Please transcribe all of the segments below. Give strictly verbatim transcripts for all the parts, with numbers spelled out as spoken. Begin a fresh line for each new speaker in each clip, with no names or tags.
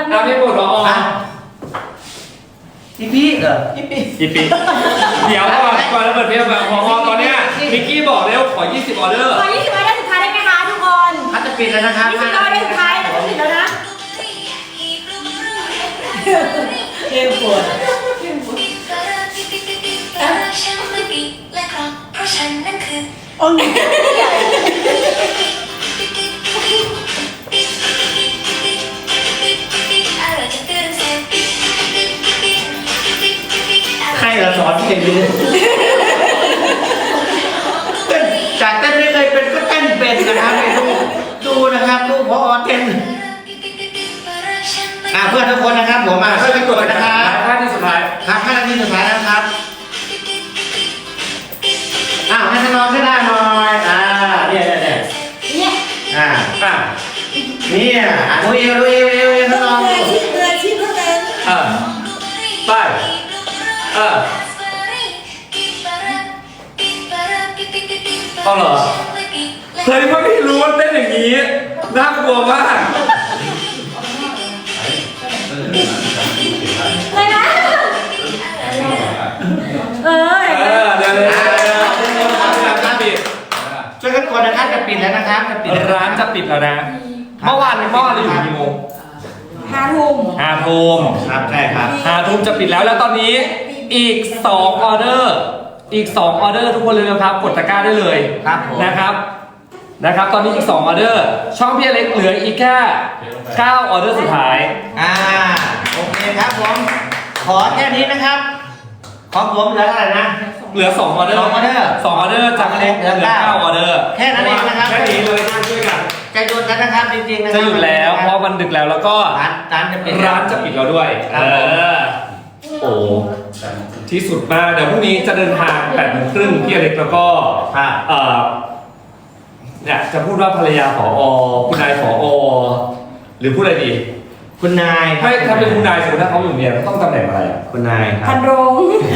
เอาพี่ปุ่นรอ
อีพีเหรออีพี
อีปีเดี๋ยวก่อนก่อนจะเปิดเพลงแบบพอตอนเนี้ยมิกกี้บอกแล้วขอยี่สิบออเดอร์
ขอยี่สิบออเดอร์สุดท้ายได้ไหมคะทุกคน
เขาจะปิดแล้วนะครับ
ยี่สิบออเดอร์สุดท้ายเราจะปิดแล้วนะ
เก่งปวด
โอ้ย
ใครเราสอนเพลงนี้จากเต้นไม่เคยเป็นก็เต้นเป็นนะครับดูดูนะครับดูพอเต้นอ่าเพื่อนทุกคนนะครับผมมาช่วยกันกดนะครับ
ห้านาทีสุดท้าย
ครับห้านาทีสุดท้ายนะครับอ้าวให้น้องขึ้นได้หน่อยอ่าเนี่ยเนี่ยเนี่ย
เนี่ย
อ่าอ่าเนี่ยดูเอวดูเอวเอวเอวน้อง
มืออาชีพมืออาชีพเท่านั้น
เออไปเออเอาเหรอเคยไม่รู้ว่าเต้นอย่างนี้น่ากลัวมาก
เลยนะเออ
เออเดี๋ยวเดี๋ยว
ช่วยกันกดนะครับจะปิดแล้วนะครับจะปิด
ร้านจะปิดแล้วนะเมื่อวานเมื่อวานเราอยู่กี่โมง
ห้าทุ่ม
ห้าทุ่ม
ครับใช่ครับ
ห้าทุ่มจะปิดแล้วแล้วตอนนี้อีกสองออเดอร์อีกสองออเดอร์ทุกคนเลยนะครับกดตะกร้าได้เลยนะครับนะครับตอนนี้อีกสองออเดอร์ช่องพี่อเล็กเหลืออีกแค่เก้าออเดอร์สุดท้าย
อ่าโอเคครับผมขอแค่นี้นะครับของผมเหลือเท่าไหร่นะ
เหลือสองออเดอร์
สองออเดอร์
สองออเดอร์จากเล็กเหลือเก้าออเดอร์
แค่นั้นเองนะครับ
แค่นี้เลยช่วยกัน
จะหยุดแล้วนะครับจริงๆนะ
จะหยุดแล้วเพราะมันดึกแล้วแล้วก็
ร้านร้านจะปิด
ร้านจะปิดแล้วด้วยเออโอ้ที่สุดมากเดี๋ยวพรุ่งนี้จะเดินทางแปดโมงครึ่งพี่อเล็กแล้วก็เออเนี่ยจะพูดว่าภรรยาผอคุณนายผอหรือพูดอะไรดี
คุณนาย
ไม่ถ้าเป็นคุณนายสมมติถ้าเขาอยู่เนี่ยต้องตำแหน่งอะไร
คุณนายครับ
พันโรง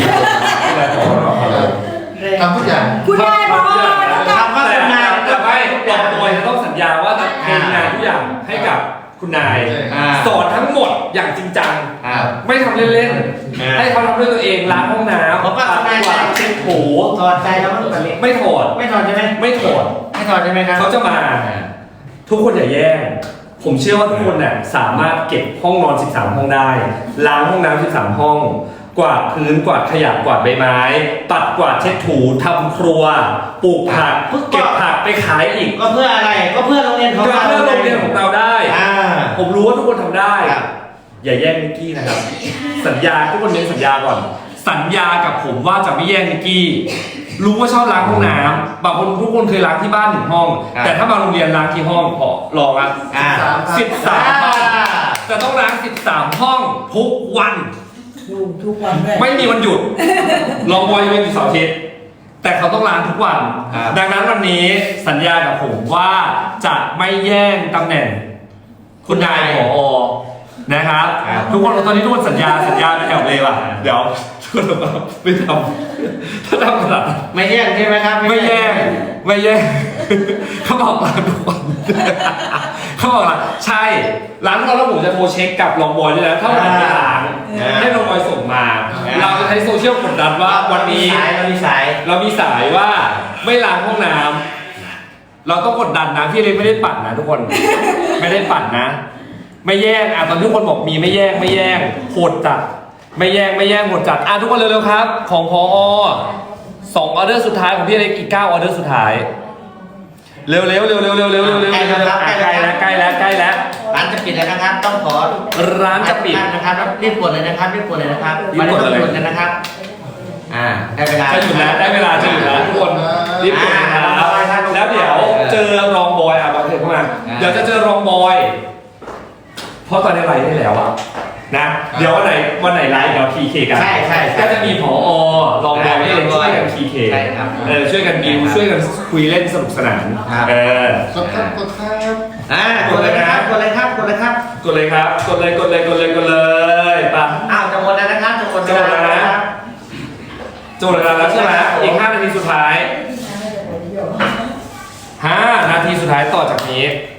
ทำทุกอย่าง
คุณนายพอ
ทำว่าคุณนาย
แต่ไม่ลองโดยจะต้องสัญญาว่าจะทำงานทุกอย่างให้กับคุณนายสอนทั้งหมดอย่างจริงจังไม่ทำเล่นๆให้เขาทำด้วยตัวเองล้างห้องน้ำปัดกวาดเช็ดถู
ถอดใจแล้วมันแบบ
ไม่ถอด
ไม่ถอดใช่ไหม
ไม่ถอด
ไม่ถอดใช่ไหมครับ
เขาจะมาทุกคนอย่าแย่งผมเชื่อว่าทุกคนน่ะสามารถเก็บห้องนอนสิบสามห้องได้ล้างห้องน้ำสิบสามห้องกวาดพื้นกวาดขยะกวาดใบไม้ปัดกวาดเช็ดถูทำครัวปลูกผักเก็บผักไปขายอีก
ก็เพื่ออะไรก็เพื่อโรงเรียนของเรา
เพื่อโรงเรียนของเราได้ผมรู้ว่าทุกคนทำได้อย่าแย่งนิกกี้นะครับสัญญาทุกคนเน้นสัญญาก่อนสัญญากับผมว่าจะไม่แย่งนิกกี้รู้ว่าชอบล้างห้องน้ำบางคนทุกคนเคยล้างที่บ้านหนึ่งห้องแต่ถ้ามาโรงเรียนล้างที่ห้องพอลองอ่ะสิบสามห้องจะต้องล้างสิบสามห้องทุกวัน
ทุกวัน
ไม่มีวันหยุดลองบอยเป็นอยู่เสาร์อาทิตย์แต่เขาต้องล้างทุกวันดังนั้นวันนี้สัญญากับผมว่าจะไม่แย่งตำแหน่งคุณนายผอนะครับทุกคนตอนนี้ทุกคนสัญญาสัญญาแถวเลยว่ะเดี๋ยวทุกคนไม่ทำถ้าทำขนาด
ไม่แย่งใช่ไหมครับ
ไม่แย่งไม่แย่งเขาบอกร้านทุกวันเขาบอกว่าใช่ร้านเราแล้วผมจะโทรเช็คกับลองบอยด้วยนะถ้าวันไหนล้างให้ลองบอยส่งมาเราจะใช้โซเชียลกดดันว่าวันนี้
เรามีสาย
เรามีสายว่าไม่ล้างห้องน้ำเราต้องกดดันนะพี่เลยไม่ได้ปั่นนะทุกคนไม่ได้ปั่นนะไม่แย่งอ่ะตอนทุกคนบอกมีไม่แย่งไม่แย่งโหดจัดไม่แย่งไม่แย่งโหดจัดอ่ะทุกคนเร็วๆครับของพอสองออเดอร์สุดท้ายของพี่อะไรอีกเก้าออเดอร์สุดท้ายเร็วๆเร็วๆเร็วๆเร็วๆเร็วๆเร็วๆใกล้แล้วใกล้แล้วใกล้แล้วใกล้แล้ว
ร้านจะปิดแล้วนะครับต้องขอ
ร้านจะปิด
นะครับรีบกดเลยนะครับรีบกดเลยนะครับ
รีบกดเลย
นะครับอ่าได้เวลา
จะหยุดแล้วได้เวลาจะหยุดแล้วทุกคนรีบกดนะครับแล้วเดี๋ยวเจอรองบอยอ่ะบอยเถิดเข้ามาเดี๋ยวจะเจอรองบอยเพราะตอนนี้ไลฟ์ได้แล้วอะนะเดี๋ยววันไหนวันไหนไลฟ์เดี๋ยว พี เค กัน
ใช่ใช่
ก็จะมีผอรองบอยให้ช่วยกัน พี เค
ใช่ครับ
เออช่วยกันบิวช่วยกันคุยเล่นสนุกสนานเออก
ดครับกดครับอ่ากดเลยนะครับกดเลยครับกดเลยครับ
กดเลยครับกดเลยกดเลยกดเลยกดเลยป่ะ
อ้าวจะหมดแล้วนะครับจะหมด
จะหมดแล้วนะจะหมดแล้วใช่ไหมอีกห้านาทีสุดท้ายห้านาทีสุดท้ายต่อจากนี้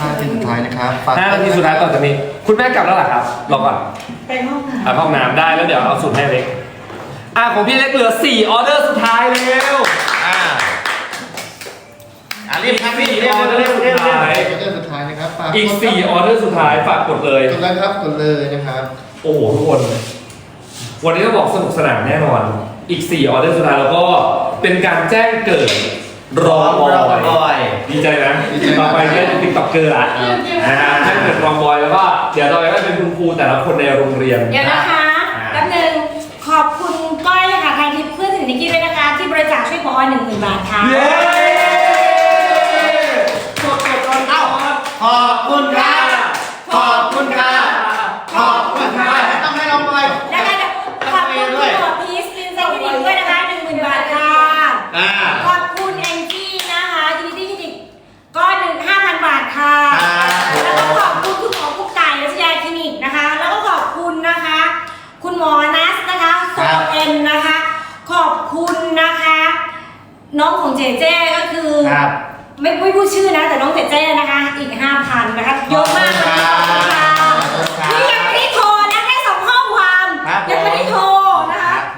ห้านาทีสุดท้ายนะครับฝาก
ห้านาทีสุดท้ายต่อจากนี้ คุณแม่กลับแล้วเหรอครับรอก่อน
ไปห้องน้
อ่ะห้องน้ำได้แล้วเดี๋ยวเอาสูตรให้เล็กอ่ะของพี่เล็กเหลือสี่ออเดอร์สุดท้ายแล้ว
อ่าอ่ารีบครับรีบเร็วเร็วเร็วเร็ว
สุดท้าย
ออเดอร์สุดท้ายนะครับฝาก
อีกสี่ออเดอร์สุดท้ายฝากกดเลย
กดแล้วครับกดเลยนะครับ
โอ้โหทุกคน วันนี้ต้องบอกสนุกสนานแน่นอน อีกสี่ออเดอร์สุดท้ายแล้วก็เป็นการแจ้งเกิดรอม
รอ
อย
บอย
ดีใจนะ
ดีใจมาก
ต่อไปเนี่ยติ๊กต็อกเกอร์ละอ่าแจ้งเกิดรอมอยแล้วก็เดี๋ยวต่อไปก็เป็นคุณครูแต่ละคนในโรงเรียน
ำเดี๋ยวนะคะแป๊บนึงขอบคุณก้อยค่ะทางทิพย์เพื่อนถึงนิกกี้ด้วยนะคะ ที่บริจาคช่วยพอหนึ่งหมื่นบาทค่ะ
เย้
กดกดก่อนเอ้าขอบคุณค่ะขอบคุณค่ะขอบคุณค่ะต้องให้เราไป
ได้ได้ได้ขอบคุณคุณหมอพีชลินเซอร์คลินิกด้วยนะคะหนึ่งหมื่นบาทค่ะ
อ่า
ขอบคุณแองจี้นะคะยูนิตี้คลินิกก็หนึ่งห้าพันบาทค่ะ แล้วก็ขอบคุณคุณหมอกุ๊กไก่รัชยาคลินิกนะคะ แล้วก็ขอบคุณนะคะ คุณหมอนัสนะคะโซเอ็นนะคะ ขอบคุณนะคะ น้องของเจเจก็คือ
ครับ
ไม่ไม่พูดชื่อนะ แต่น้องเจเจนะคะ อีกห้าพันนะคะเยอะมากเลยขอบคุณค่ะนี่ยังไม่ได้โทรนะแค่ส่งข้อความ
ครับ
ยังไม่ได้โทรนะ
ค
คะ
รับผม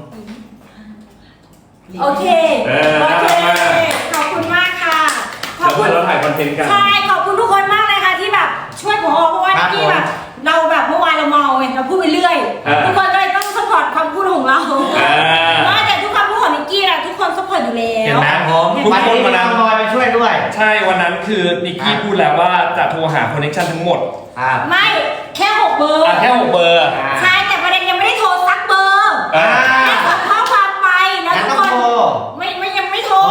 โอเค
เออ
โอ
น่า
เค
รักมาก
ขอบคุณมากค่ะ ขอ
เดี๋
บ
ยว
คุ
เพื่
ณ
อนเราถ่ายคอนเทนต์กัน
ใช่ ขอบคุณทุกคนมากเลยค่ะที่แบบช่วยผมเพราะว่า
ครับ
ที่แบบ เราแบบเมื่อวานเราเมาไงเราพูดไปเรื่อย
อ่า
ทุกคนก็เลยต้องสปอร์ตความพูดของเรา
อ่า
ว่าแต่ทุกคำพูดของนิกกี้อะทุกคนสปอร์ตอยู่แล้ว
เห็นไหมผม
เห็น
วัน
ไหม
นี้มีน้องบอยมาช่วยด้วย
ใช่วันนั้นคือนิกกี้พูดแล้วว่าจะโทรหาคอนเนคชั่นทั้งหมด
ครับ
ไม่แค่หกเบอร์
อ่ะแค่หกเบอร์
ใช่แต่ประเด็นยังไม่ได้โทรสักเบอร์
อ่า
แค่ส่งข้อความไปแล้ว
งั้น
ทุก
ต้อง
คน
โทร
ไม่ไม่ยังไม่โทร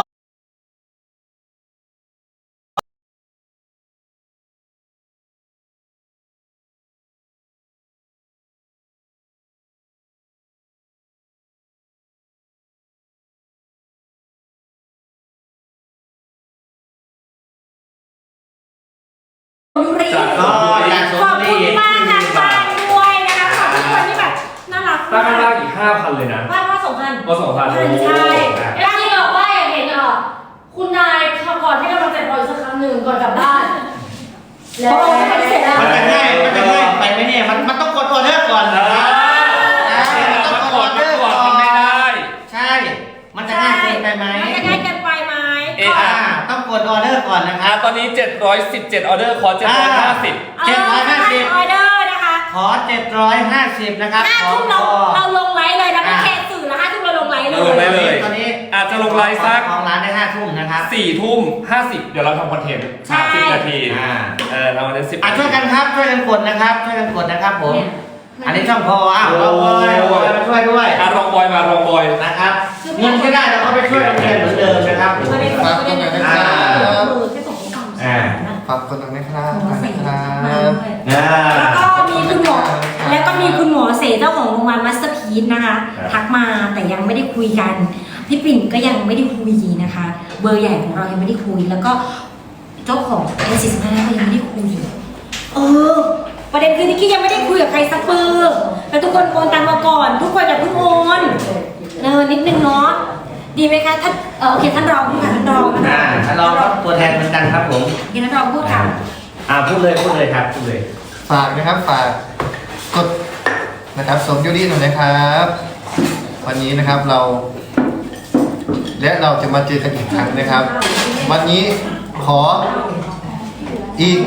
ดูรี
จาก
ก็อยาก
ข
ส
อบ
ม
คุ
ดี
ณมากทางบ้านด้วยนะคะขอบคุณคนที่แบบน่ารัก
ตั้ง
มาก
ล่างอีกห้าพันเลยนะ
บ้านว่าสองพัน
ก็สองพัน
ใช่
เอฟซีบอกว่าอยากเห็นเอ่อคุณนายก่อนให้กำลังใจพลอยสักครั้งหนึ่งก่อนกลับบ้าน
เพราะเราไม่ปฏิเสธแล้ว
มันจะง่ายมันจะง่ายไปไหมเนี่ยมันมันต้องกดออเดอร์ก่อน
เอ
นะ
อ
มันต้อง
มาก
ด
ก
อ
อ
อ
ด
เด
มา
อร์
กอด
ก่อน
ทำไม่ได้
ใช่ มันจะง่ายเกินไปไหม
มันจะง่ายเกินไปไหม
เอ๊ะ
อ่าต้องกดออเดอร์ก่อนนะค
อ่ะ
รับ
ตอนนี้เจ็ดร้อยสิบเจ็ดออเดอร์ขอเจ็ดร้อยห้าสิบ
เจ็ดร้อยห้าสิบ
ออเดอร์นะคะ
ขอเจ็ดร้อยห้าสิบนะครับ
ห้า
ขอ
ทุ่ม
พ
เรา
อ
เราลงไลฟ์เลยนะไม่
อ่า
แค่สื่อละห้าทุ่มเราลงไลฟ์เล
เราลงไล
ย
ฟ์เลย
ตอนนี้
อาจจะลงไลฟ์สัก
ของร้านได้ห้าทุ่มนะครับ
สี่ทุ่มห้าสิบเดี๋ยวเราทำคอนเทนต์
ใช่
สิบนาที
อ่า
เออเราวันนั้นสิบ
อ่ะช่วยกันครับช่วยกันกดนะครับช่วยกันกดนะครับผม อันนี้ช่องพออ้าวเราบอยเราบอยมาช่วยด้วย
อ่ะรองบอยมารองบอย
นะครับเงินก็ได้เราก็ไปช่วยโรงเรียนเหมือนเดิมนะครับ
ประเด็น
ฝาก
ประเด็น
ตรงไหน
คือ
นะครับ
แค่ส่งข้อความ
อ่า
นะ
ฝากคนตรงนี้ครับ
หมอเสก
ครั
มา
บ
ด้วย
อ่า
แล้วก็มีคุณหมอแล้วก็มีคุณหมอเสเจ้าของโรงพยาบาลมัสเตอร์พีซนะคะ ทักมาแต่ยังไม่ได้คุยกัน พี่ปิ่นก็ยังไม่ได้คุยนะคะ เบอร์ใหญ่ของเรายังไม่ได้คุย แล้วก็เจ้าของเอสสิบห้าก็ยังไม่ได้คุย เออ ประเด็นคือนิกกี้ยังไม่ได้คุยกับใครสักเบอร์แต่ทุกคนโอนตังมาก่อน ทุกคนอย่าเพิ่งโอนเออนิดนึงเนาะดีไหมคะท่านเออโอเคท่านรองพูดค่ะท่านรองนะ
อ่า
คะ
เราก็ตัวแทนเหมือนกันครับผม
เดี๋ยวท่านรองพูดค่ะ
อ่าพูดเลยพูดเลยครับพูดเลย
ฝากนะครับฝากกดนะครับสมยูรีหน่อยนะครับ วันนี้นะครับเรา และเราจะมาเจอกันอีกครั้งนะครับ วันนี้ขออีก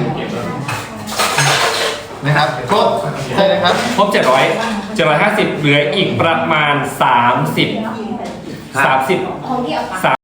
นะครับครบใช่นะครับ
ครบเจ็ดร้อยเจ็ดร้อยห้าสิบเหลืออีกประมาณสามสิบสามสิบ
ของที่เอาไป
สาม